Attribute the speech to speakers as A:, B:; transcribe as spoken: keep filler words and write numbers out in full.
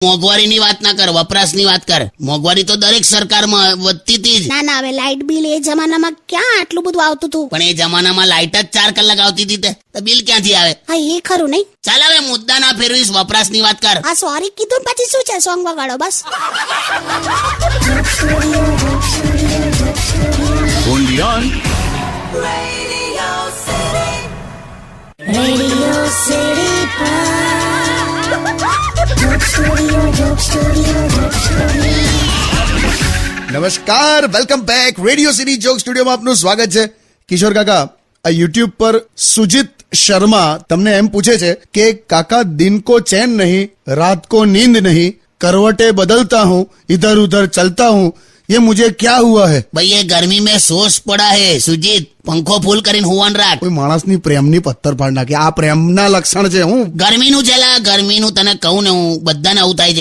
A: મોંઘવારીની વાત ના કર, વપરાશની વાત કર. મોંઘવારી તો દરેક સરકારમાં વધતી હતી જ.
B: ના ના, હવે લાઇટ બિલ એ જમાનામાં ક્યાં આટલું બધું આવતું હતું?
A: પણ એ જમાનામાં લાઇટ જ ચાર કલાક આવતી હતી તે તો બિલ ક્યાંથી આવે?
B: હા એ ખરું નહીં.
A: ચાલ હવે મુદ્દા ના ફેરવીશ, વપરાશની વાત કર.
B: હા સોરી કીધું પછી શું છે, સોંગ વગાડો બસ.
C: Only on
B: Radio City
D: નમસ્કાર, welcome back. Radio city joke સ્ટુડિયોમાં આપનું સ્વાગત છે. કિશોર કાકા, આ યુટ્યુબ પર સુજીત શર્મા તમને એમ પૂછે છે કે કાકા, દિન કો ચैन नहीं, रात को नींद नहीं, करवटे बदलता हूँ, इधर उधर चलता हूँ, ये मुझे क्या हुआ है?
A: ભાઈ એ ગરમી મેં સોસ પડા હે સુજીત, પંખો ફૂલ કરીને હુવાન રાખ.
D: કોઈ માણસની પ્રેમની પથ્થર ફાડ નાખી. આ પ્રેમના લક્ષણ છે. હું
A: ગરમીનું છે લા, ગરમીનું તને કહું ને હું, બધાને આવું થાય છે.